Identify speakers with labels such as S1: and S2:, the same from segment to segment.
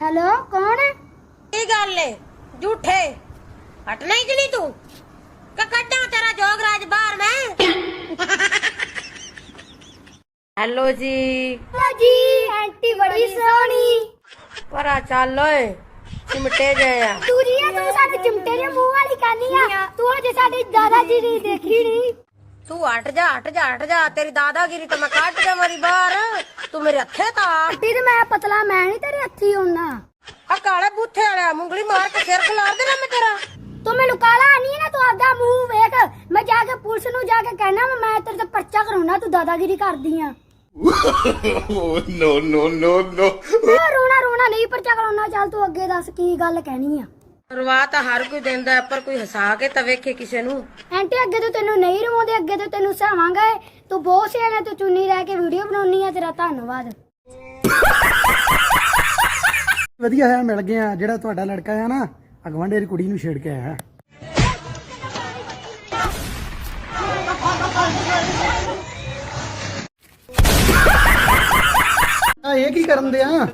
S1: Hello कौन है?
S2: की गल है झूठे हटना ही कि नहीं तू कड्डा तेरा जोगराज बाहर मैं हेलो जी
S1: जी आंटी बड़ी सोहनी
S2: परा चल ओए चिमटे गए
S1: तू जी तू साडे चिमटे दे मुंह वाली कानी आ तू अजे साडे दादाजी दी देखी नहीं
S2: तू हट जा हट जा हट जा तेरी दादागिरी तो मैं काट दे मरी बाहर तू मेरे हथे ता
S1: आंटी ते मैं पतला मैं नहीं तेरे हथी होना
S2: आ काले बूथे वाला मुंगली मार के सिर खिलार देना मैं तेरा
S1: तू मैनू काला नहीं है ना तू आपदा मुंह वेख मैं जाके पुलिस नु जाके कहना मैं तेरे ते पर्चा कराउना तू दादागिरी करदी आ
S3: नो नो नो नो
S1: रोना रोना नहीं पर्चा कराउना चल तू अगे दस की गल कहनी आ
S2: ਰਵਾ ਤਾਂ ਹਰ ਕੋਈ ਦਿੰਦਾ ਪਰ ਕੋਈ ਹਸਾ ਕੇ ਤਾਂ ਵੇਖੇ ਕਿਸੇ ਨੂੰ
S1: ਆਂਟੀ ਅੱਗੇ ਤੋਂ ਤੈਨੂੰ ਨਹੀਂ ਰਵਾਉਂਦੇ ਅੱਗੇ ਤੋਂ ਤੈਨੂੰ ਸਹਾਵਾਂਗੇ ਤੂੰ ਬਹੁਤ ਸਿਆਣਾ ਤੂੰ ਚੁੰਨੀ ਰਹਿ ਕੇ ਵੀਡੀਓ ਬਣਾਉਣੀ ਆ ਤੇਰਾ ਧੰਨਵਾਦ
S4: ਵਧੀਆ ਹੈ ਮਿਲ ਗਿਆ ਜਿਹੜਾ ਤੁਹਾਡਾ ਲੜਕਾ ਆ ਨਾ ਅਗਵਾਂਡੇ ਦੀ ਕੁੜੀ ਨੂੰ ਛੇੜ ਕੇ ਆਇਆ ਆ ਇਹ ਕੀ ਕਰਨ ਦੇ ਆ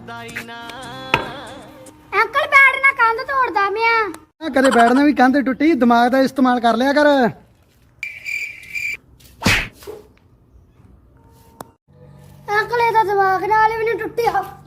S1: ਅੰਕਲ ਬੈਠ ਨਾ ਕੰਧ ਤੋੜਦਾ ਮਿਆ
S4: ਆ ਕਦੇ ਬੈਠਣਾ ਵੀ ਕੰਧ ਟੁੱਟੀ ਦਿਮਾਗ ਦਾ ਇਸਤੇਮਾਲ ਕਰ ਲਿਆ ਕਰ
S1: ਅੰਕਲ ਇਹਦਾ ਦਿਮਾਗ ਨਾਲ ਵੀ ਨਹੀਂ ਟੁੱਟਿਆ